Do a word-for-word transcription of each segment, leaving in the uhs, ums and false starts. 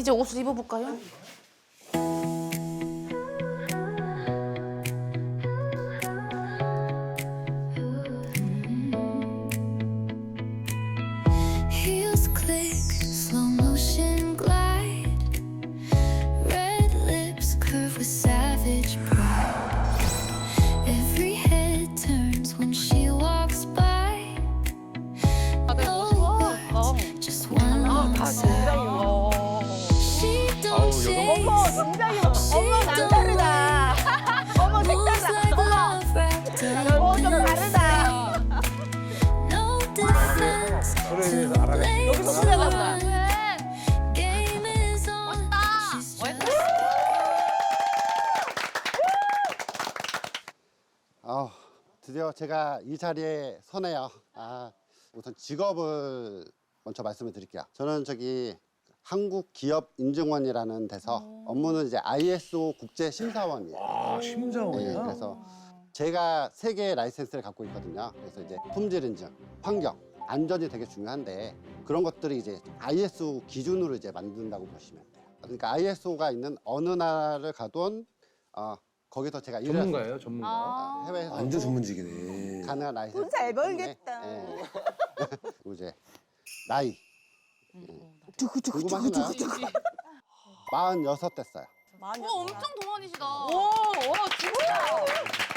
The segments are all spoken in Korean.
이제 옷을 입어볼까요? Heels click, slow motion glide. Red lips curve with savage pride. Every head turns when she walks by. No words, just one long sigh. She don't chase, 굉장히 she 어머 don't 남다르다. 어머 moves like 색다르다. love wrapped up 어머 좀 in 다르다. no defense to blame 여기서 소리가 나. Game is on. She's just 아, 드디어 제가 이 자리에 서네요. 아, 우선 직업을 먼저 말씀을 드릴게요. 저는 저기 한국기업인증원이라는 데서 업무는 이제 아이에스오 국제심사원이에요. 아, 심사원이야? 네, 그래서 제가 세 개의 라이센스를 갖고 있거든요. 그래서 이제 품질 인증, 환경, 안전이 되게 중요한데 그런 것들이 이제 아이에스오 기준으로 이제 만든다고 보시면 돼요. 그러니까 아이에스오가 있는 어느 나라를 가든 어, 거기서 제가 일을 전문가예요, 전문가. 아, 해외에서 완전 전문직이네. 가능한 라이센스. 돈 잘 때문에, 벌겠다. 예. 그리고 이제 나이 두구두구두구두구. 궁금하시나요? 마흔여섯 됐어요. 오, 엄청 동안이시다. 오, 오, 진짜.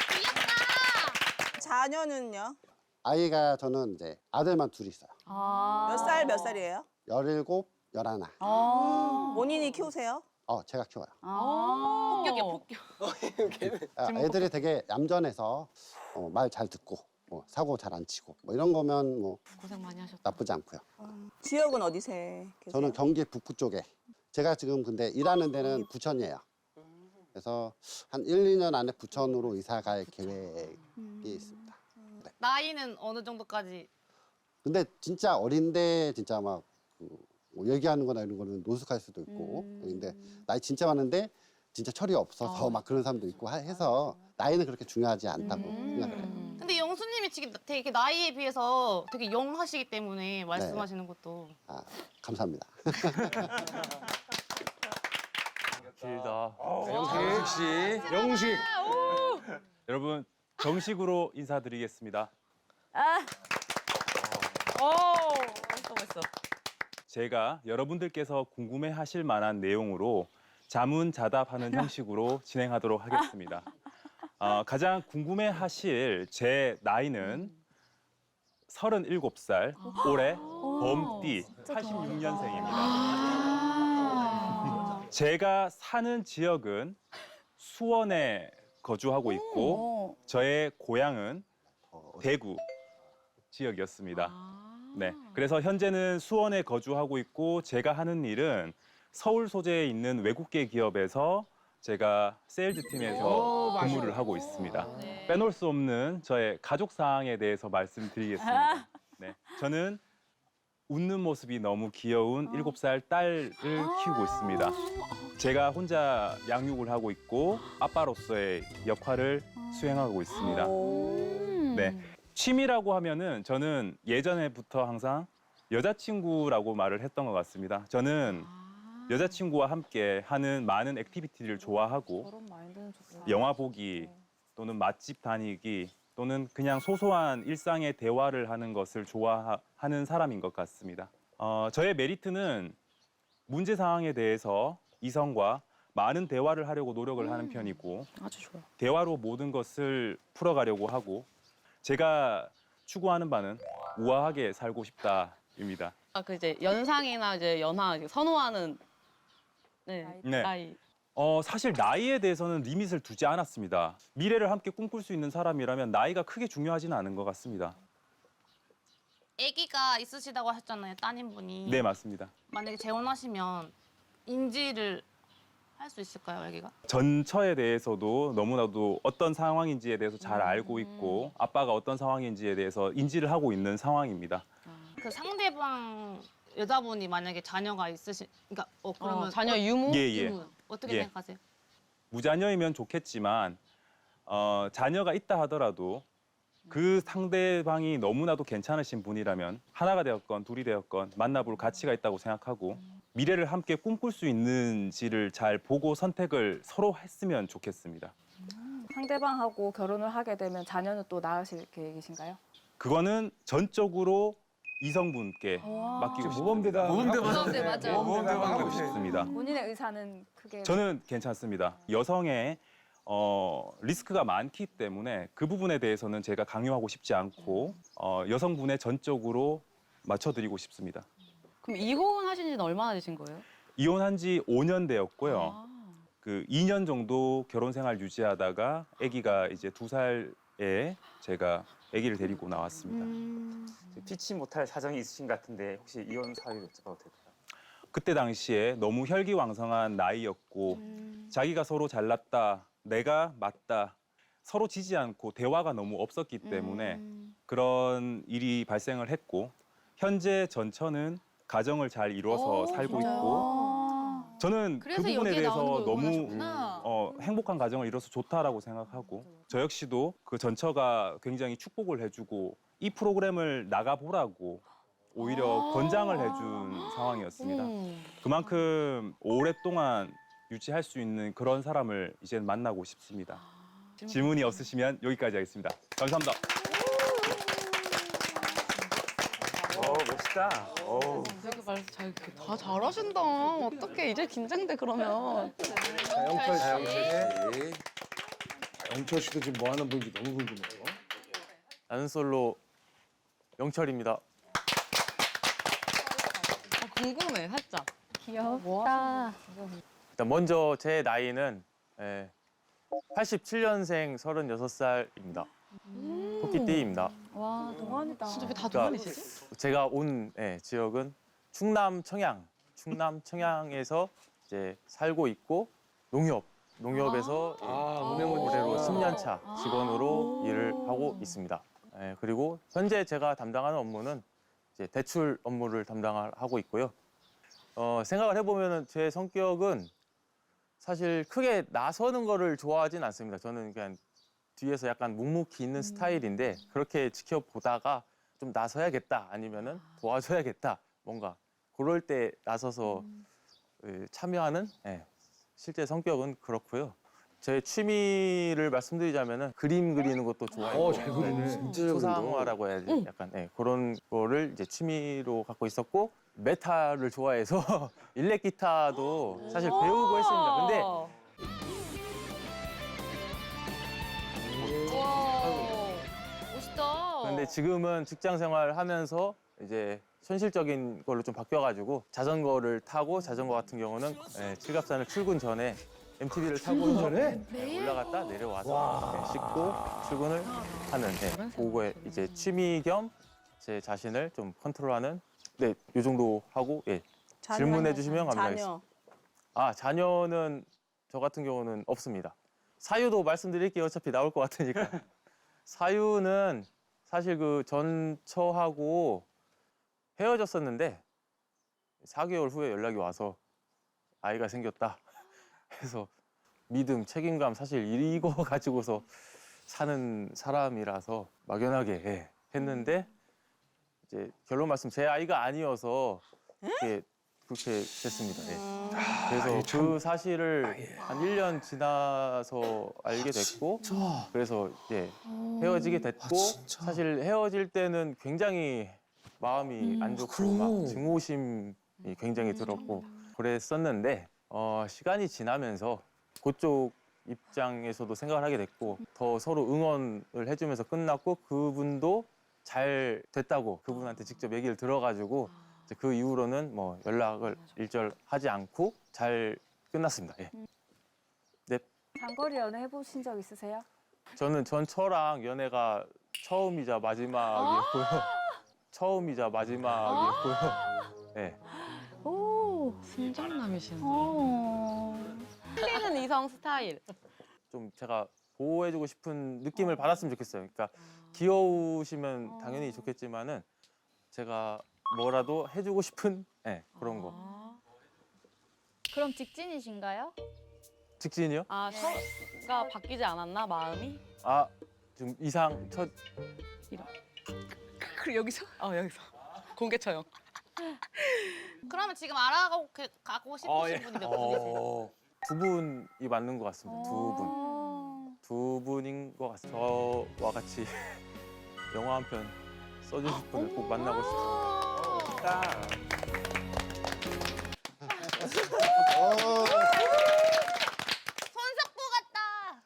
귀엽다. 자녀는요? 아이가 저는 이제 아들만 둘이 있어요. 아. 몇 살 몇 살이에요? 열일곱, 열하나. 아. 본인이 키우세요? 어, 제가 키워요. 아. 폭격이야, 폭격. 아, 애들이 되게 얌전해서 어, 말 잘 듣고 뭐, 사고 잘 안 치고 뭐 이런 거면 뭐 고생 많이 하셨다. 나쁘지 않고요. 지역은 어디세? 계세요? 저는 경기 북부 쪽에. 제가 지금 근데 일하는 데는 부천이에요. 그래서 한 일, 이 년 안에 부천으로 이사 갈 계획이 있습니다. 네. 나이는 어느 정도까지? 근데 진짜 어린데 진짜 막 그, 뭐 얘기하는 거나 이런 거는 노숙할 수도 있고 근데 나이 진짜 많은데 진짜 철이 없어서 막 그런 사람도 있고 하- 해서 나이는 그렇게 중요하지 않다고 생각을 해요. 근데 영수님이 지금 되게 나이에 비해서 되게 영하시기 때문에 말씀하시는 것도. 아, 감사합니다. 길다. 영식 씨. 영식. 여러분 정식으로 인사드리겠습니다. 오, 멋있어. 제가 여러분들께서 궁금해하실 만한 내용으로 자문자답하는 형식으로 진행하도록 하겠습니다. 어, 가장 궁금해하실 제 나이는 서른일곱 살, 올해 범띠 팔십육 년생입니다. 제가 사는 지역은 수원에 거주하고 있고 저의 고향은 대구 지역이었습니다. 네, 그래서 현재는 수원에 거주하고 있고 제가 하는 일은 서울 소재에 있는 외국계 기업에서 제가 세일즈 팀에서 근무를 하고 있습니다. 빼놓을 수 없는 저의 가족 사항에 대해서 말씀드리겠습니다. 네, 저는 웃는 모습이 너무 귀여운 일곱 살 딸을 키우고 있습니다. 제가 혼자 양육을 하고 있고 아빠로서의 역할을 수행하고 있습니다. 네, 취미라고 하면은 저는 예전에부터 항상 여자친구라고 말을 했던 것 같습니다. 저는 여자친구와 함께 하는 많은 액티비티를 좋아하고 영화 보기 또는 맛집 다니기 또는 그냥 소소한 일상의 대화를 하는 것을 좋아하는 사람인 것 같습니다. 어, 저의 메리트는 문제 상황에 대해서 이성과 많은 대화를 하려고 노력을 하는 편이고 아주 좋아. 대화로 모든 것을 풀어가려고 하고 제가 추구하는 바는 우아하게 살고 싶다입니다. 아, 그 이제 연상이나 이제 연하 선호하는 네, 네. 나이. 어, 사실 나이에 대해서는 리밋을 두지 않았습니다. 미래를 함께 꿈꿀 수 있는 사람이라면 나이가 크게 중요하지는 않은 것 같습니다. 아기가 있으시다고 하셨잖아요, 따님분이. 네, 맞습니다. 만약에 재혼하시면 인지를 할 수 있을까요, 아기가? 전처에 대해서도 너무나도 어떤 상황인지에 대해서 잘 알고 있고 아빠가 어떤 상황인지에 대해서 인지를 하고 있는 상황입니다. 그 상대방 여자분이 만약에 자녀가 있으신, 그러니까 어 그러면 어, 자녀 유무? 예, 예. 어, 어떻게 예. 생각하세요? 무자녀이면 좋겠지만 어, 자녀가 있다 하더라도 그 상대방이 너무나도 괜찮으신 분이라면 하나가 되었건 둘이 되었건 만나볼 가치가 있다고 생각하고 미래를 함께 꿈꿀 수 있는지를 잘 보고 선택을 서로 했으면 좋겠습니다. 상대방하고 결혼을 하게 되면 자녀는 또 낳으실 계획이신가요? 그거는 전적으로 이성분께 맡기고 싶습니다. 모범대방. 모범대 맞아. 모범대방 맡기고 싶습니다. 본인의 의사는 크게 저는 괜찮습니다. 여성의 어, 리스크가 많기 때문에 그 부분에 대해서는 제가 강요하고 싶지 않고 어, 여성분의 전적으로 맞춰드리고 싶습니다. 그럼 이혼하신 지는 얼마나 되신 거예요? 이혼한 지 오 년 되었고요. 아. 그 이 년 정도 결혼 생활 유지하다가 아기가 이제 두 살에 제가 아기를 데리고 나왔습니다. 음. 피치 못할 사정이 있으신 것 같은데 혹시 이혼 사유 여쭤봐도 될까요? 그때 당시에 너무 혈기왕성한 나이였고 음. 자기가 서로 잘났다, 내가 맞다, 서로 지지 않고 대화가 너무 없었기 때문에 음. 그런 일이 발생을 했고 현재 전처는 가정을 잘 이뤄서 오, 살고 진짜요? 있고 저는 그 그래서 부분에 여기에 나오는 대해서 걸 너무 응원하셨구나. 어, 행복한 가정을 이뤄서 좋다라고 생각하고 저 역시도 그 전처가 굉장히 축복을 해주고 이 프로그램을 나가보라고 오히려 아. 권장을 해준 상황이었습니다. 음. 그만큼 오랫동안 유지할 수 있는 그런 사람을 이제 만나고 싶습니다. 질문이 없으시면 여기까지 하겠습니다. 감사합니다. 어 멋있다. 어. 되게 말 잘, 다 잘하신다. 어떻게 이제 긴장돼 그러면. 영철 씨. 영철 씨도 지금 뭐 하는 분인지 너무 궁금해요. 나는 솔로 영철입니다. 아, 궁금해 살짝. 귀엽다. 일단 먼저 제 나이는 예, 팔십칠 년생 서른여섯 살입니다. 토끼띠입니다. 와 동안이다. 진짜 왜 다 그러니까 동안이시지? 제가 온 예, 지역은 충남 청양, 충남 청양에서 이제 살고 있고 농협, 농협에서 예, 아, 은행원 올해로 십 년 차 직원으로 일을 하고 있습니다. 예, 그리고 현재 제가 담당하는 업무는 이제 대출 업무를 담당하고 있고요. 어, 생각을 해보면 제 성격은 사실 크게 나서는 거를 좋아하진 않습니다. 저는 그냥 뒤에서 약간 묵묵히 있는 스타일인데 그렇게 지켜보다가 좀 나서야겠다 아니면은 도와줘야겠다 뭔가 그럴 때 나서서 예, 참여하는 예, 실제 성격은 그렇고요. 제 취미를 말씀드리자면은 그림 그리는 것도 좋아해요. 어, 잘 그리네. 진짜 잘 소상화라고 해야지. 약간 예, 그런 거를 이제 취미로 갖고 있었고 메탈을 좋아해서 일렉 기타도 사실 배우고 했습니다. 근데 와, 멋있다. 근데 지금은 직장 생활 하면서 이제 현실적인 걸로 좀 바뀌어가지고 자전거를 타고 자전거 같은 경우는 예, 칠갑산을 출근 전에 엠티비를 타고 전에? 올라갔다 내려와서 예, 씻고 출근을 하는 예, 그거에 이제 취미 겸 제 자신을 좀 컨트롤하는 네, 요 정도 하고 예. 자녀. 질문해 주시면 감사하겠습니다. 자녀. 아, 자녀는 저 같은 경우는 없습니다. 사유도 말씀드릴게요. 어차피 나올 것 같으니까. 사유는 사실 그 전처하고 헤어졌었는데 사 개월 후에 연락이 와서 아이가 생겼다 해서 믿음, 책임감 사실 이거 가지고서 사는 사람이라서 막연하게 예, 했는데 이제 결론 말씀 제 아이가 아니어서 이렇게 그렇게 됐습니다. 예. 그래서 그 사실을 한 일 년 지나서 알게 됐고 그래서 예, 헤어지게 됐고 사실 헤어질 때는 굉장히 마음이 안 좋고 막 증오심이 굉장히 들었고 그랬었는데 어, 시간이 지나면서 그쪽 입장에서도 생각을 하게 됐고 더 서로 응원을 해주면서 끝났고 그분도 잘 됐다고 그분한테 직접 얘기를 들어가지고 이제 그 이후로는 뭐 연락을 일절하지 않고 잘 끝났습니다. 예. 네, 장거리 연애 해보신 적 있으세요? 저는 전처랑 연애가 처음이자 마지막이었고요. 처음이자 마지막이었고요. 네. 오 순정남이시네. 틀리는 이성 스타일. 좀 제가 보호해주고 싶은 느낌을 받았으면 좋겠어요. 그러니까 귀여우시면 당연히 좋겠지만은 제가 뭐라도 해주고 싶은 네, 그런 거. 그럼 직진이신가요? 직진이요? 아 처가 바뀌지 않았나 마음이? 아, 지금 이상 첫 그리고 여기서? 어 여기서 공개 처형. 그러면 지금 알아가고 그- 가고 싶으신 어, 예. 분이 몇 분이세요? 어, 두 분이 맞는 것 같습니다. 두 분. 두 분인 것 같습니다. 저와 같이 영화 한 편 써주실 분을 꼭 만나고 싶습니다. 손석구 같다.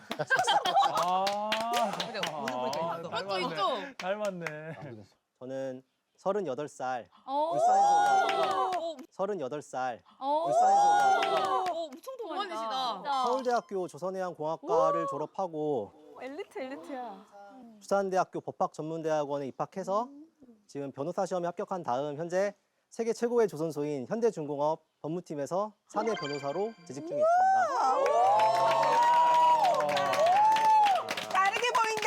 아, 그것도 있죠. 닮았네. 저는 서른여덟 살 오. 울산에서 서른여덟 살 오. 울산에서 오, 엄청 동안이시다. 서울대학교 조선해양공학과를 졸업하고 엘리트 엘리트야. 부산대학교 법학전문대학원에 입학해서 지금 변호사 시험에 합격한 다음 현재 세계 최고의 조선소인 현대중공업 법무팀에서 사내 변호사로 재직 중에 있습니다. 다르게 보인다.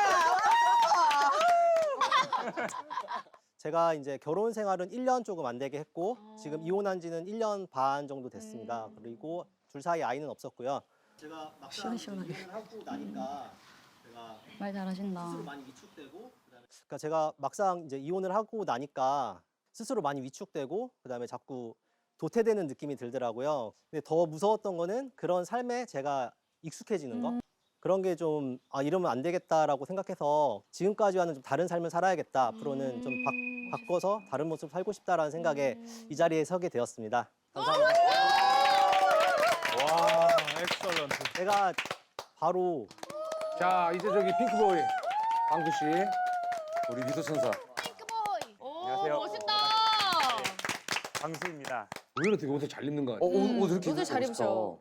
제가 이제 결혼 생활은 일 년 조금 안 되게 했고 지금 이혼한 지는 일 년 반 정도 됐습니다. 그리고 둘 사이 아이는 없었고요. 제가 막상 이혼을 하고 나니까 제가 말 잘하신다. 스스로 많이 위축되고 그러니까 제가 막상 이제 이혼을 하고 나니까 스스로 많이 위축되고 그다음에 자꾸 도태되는 느낌이 들더라고요. 근데 더 무서웠던 거는 그런 삶에 제가 익숙해지는 거. 그런 게 좀 아, 이러면 안 되겠다라고 생각해서 지금까지와는 좀 다른 삶을 살아야겠다. 앞으로는 좀 바, 바꿔서 다른 모습 살고 싶다라는 생각에 이 자리에 서게 되었습니다. 감사합니다. 와, 엑설런트. 제가 바로 자, 이제 저기 핑크보이 강수 씨, 우리 미소천사. 핑크보이. 오, 안녕하세요. 멋있다. 광수입니다. 오히려 되게 옷을 잘 입는 거 같아. 어, 옷, 옷 이렇게 옷을 잘 입으니까 입으셔.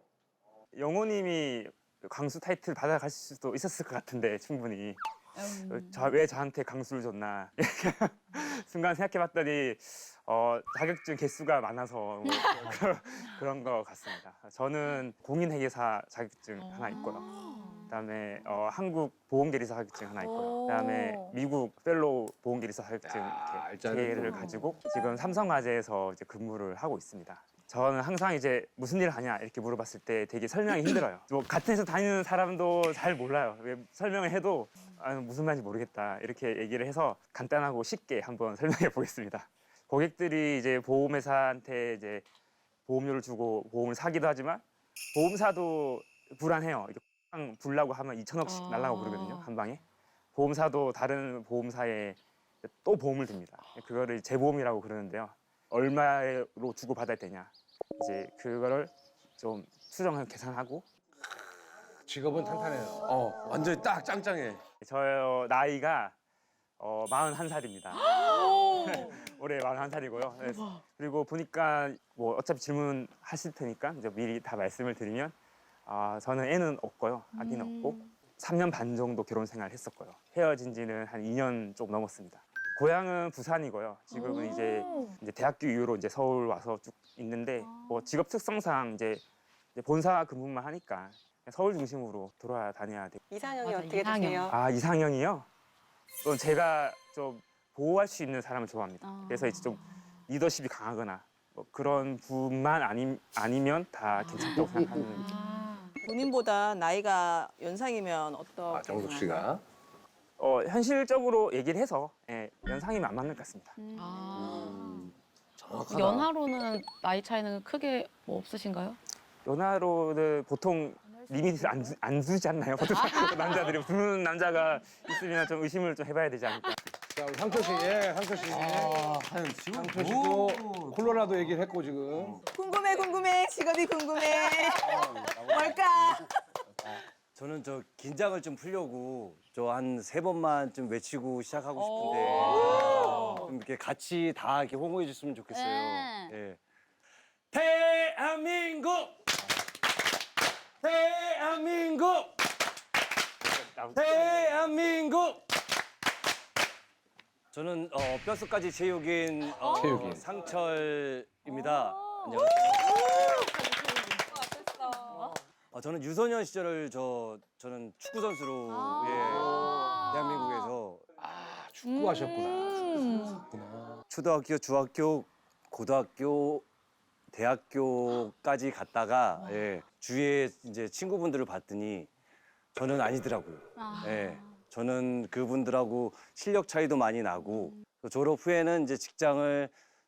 영호님이 광수 타이틀 받아가실 수도 있었을 것 같은데 충분히 음. 저, 왜 저한테 강수를 줬나 순간 생각해봤더니 어, 자격증 개수가 많아서 뭐 그런, 그런 것 같습니다. 저는 공인회계사 자격증 하나 있고요. 그다음에 어, 한국 보험계리사 자격증 하나 있고요. 그다음에 미국 펠로우 보험계리사 자격증 야, 이렇게 알짜네. 개를 가지고 지금 삼성화재에서 이제 근무를 하고 있습니다. 저는 항상 이제 무슨 일을 하냐 이렇게 물어봤을 때 되게 설명이 힘들어요. 뭐 같은 회사 다니는 사람도 잘 몰라요. 왜 설명을 해도 아, 무슨 말인지 모르겠다 이렇게 얘기를 해서 간단하고 쉽게 한번 설명해 보겠습니다. 고객들이 이제 보험회사한테 이제 보험료를 주고 보험을 사기도 하지만 보험사도 불안해요. 이게 꽝 불라고 하면 이천억씩 아. 날라고 그러거든요. 한 방에. 보험사도 다른 보험사에 또 보험을 듭니다. 그거를 재보험이라고 그러는데요. 얼마로 주고 받아야 되냐. 이제 그거를 좀 수정을 계산하고 직업은 탄탄해요. 어, 완전히 딱 짱짱해. 저 나이가 어, 마흔한 살입니다. 올해 마흔한 살이고요. 네. 그리고 보니까 뭐 어차피 질문하실 테니까 이제 미리 다 말씀을 드리면 아, 저는 애는 없고요. 아기는 없고 삼 년 반 정도 결혼 생활을 했었고요. 헤어진 지는 한 이 년 좀 넘었습니다. 고향은 부산이고요. 지금은 이제, 이제 대학교 이후로 이제 서울 와서 쭉 있는데 뭐 직업 특성상 이제, 이제 본사 근무만 하니까 서울 중심으로 돌아다녀야 돼요. 이상형이 맞아, 어떻게 이상형. 되세요? 아 이상형이요? 또 제가 좀 보호할 수 있는 사람을 좋아합니다. 아. 그래서 이제 좀 리더십이 강하거나 뭐 그런 분만 아니, 아니면 다 괜찮다고 생각하는. 본인보다 나이가 연상이면 어떤? 아, 정숙 씨가. 어, 현실적으로 얘기를 해서 예, 연상이면 안 맞는 것 같습니다. 아. 정확하다. 연하로는 나이 차이는 크게 뭐 없으신가요? 연하로는 보통 리미트를 안, 두- 안 두지 않나요? 보통 남자들이 두는 남자가 있으면 좀 의심을 좀 해봐야 되지 않을까. 자, 우리 상철 씨, 예, 상철 씨. 아, 한 지금 상철 씨도 콜로라도 얘기를 했고 지금. 궁금해 궁금해 직업이 궁금해. 뭘까? 저는 저 긴장을 좀 풀려고 저 한 세 번만 좀 외치고 시작하고 싶은데 좀 이렇게 같이 다 이렇게 호응해 줬으면 좋겠어요. 네. 예. 대한민국! 대한민국! 대한민국! 저는 어, 뼛속까지 체육인, 어, 체육인. 상철입니다. 안녕하세요. 어, 저는 유소년 시절을 저 저는 축구 선수로 예, 대한민국에서 아, 축구하셨구나. 초등학교, 중학교, 고등학교, 대학교까지 갔다가 예, 주위에 이제 친구분들을 봤더니 저는 아니더라고요. 예, 저는 그분들하고 실력 차이도 많이 나고 졸업 후에는 이제 직장을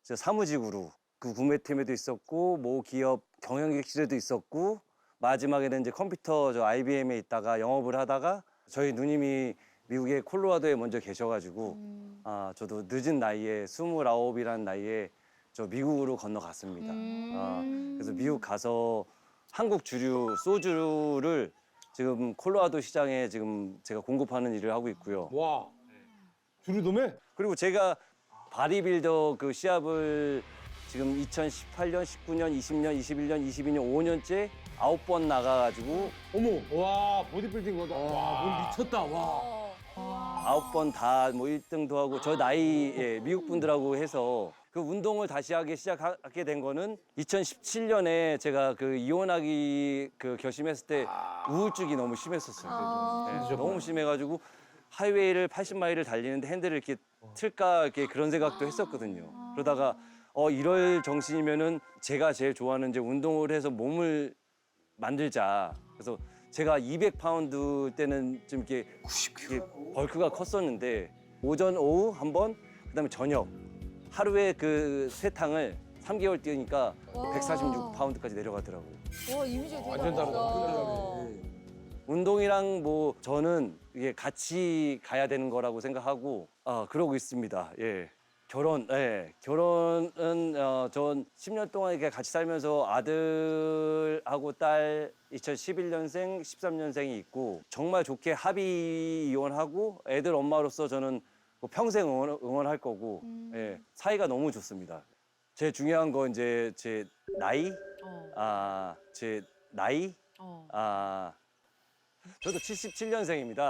저 사무직으로 그 구매팀에도 있었고 모 기업 경영객실에도 있었고 마지막에는 이제 컴퓨터 저 아이비엠에 있다가 영업을 하다가 저희 누님이 미국의 콜로라도에 먼저 계셔가지고 아 저도 늦은 나이에 스물아홉이라는 나이에 저 미국으로 건너갔습니다. 아, 그래서 미국 가서 한국 주류 소주를 지금 콜로라도 시장에 지금 제가 공급하는 일을 하고 있고요. 와, 주류도매? 그리고 제가 바디빌더 그 시합을 지금 이천십팔 년, 십구 년, 이십 년, 이십일 년, 이십이 년, 오 년째 아홉 번 나가가지고 어머, 와, 보디빌딩 거다. 와, 뭘 미쳤다, 와. 아홉 번 다 뭐 일 등도 하고 저 나이에 미국 분들하고 해서 그 운동을 다시 하기 시작하게 된 거는 이천십칠 년에 제가 그 이혼하기 그 결심했을 때 우울증이 너무 심했었어요. 네, 너무 심해가지고 하이웨이를 팔십 마일을 달리는데 핸들을 이렇게 틀까 이렇게 그런 생각도 했었거든요. 그러다가 어 이럴 정신이면은 제가 제일 좋아하는 이제 운동을 해서 몸을 만들자. 그래서 제가 이백 파운드 때는 좀 이렇게, 이렇게 벌크가 컸었는데 오전 오후 한 번, 그다음에 저녁 하루에 그 세 탕을 삼 개월 뛰니까 백사십육 파운드까지 내려가더라고요. 와 이미지가 되게 완전 다르다. 다르다. 운동이랑 뭐 저는 이게 같이 가야 되는 거라고 생각하고 아 그러고 있습니다. 예. 결혼, 예. 결혼은 어, 전 십 년 동안 이렇게 같이 살면서 아들하고 딸 이천십일 년생, 십삼 년생이 있고 정말 좋게 합의 이혼하고 애들 엄마로서 저는 뭐 평생 응원, 응원할 거고 예. 사이가 너무 좋습니다. 제일 중요한 건 이제 제 나이, 아, 제 나이, 아, 저도 칠십칠 년생입니다.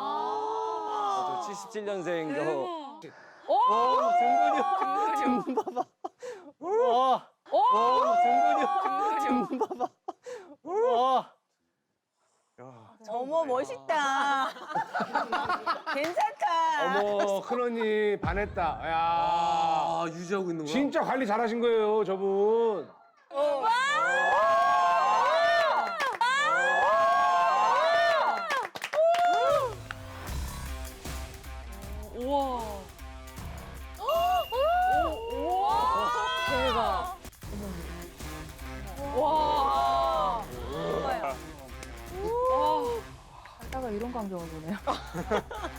저도 칠십칠 년생도 오, 정근이 형. 등 봐봐. 와. 오, 정근이 형. 등 봐봐. 와. 어머 멋있다. 괜찮다. 어머, 큰언니 반했다. 야, 아, 유지하고 있는 거야? 진짜 관리 잘하신 거예요, 저분. 어. 우와. 대박. 와. 살다가 이런 광경을 보네요.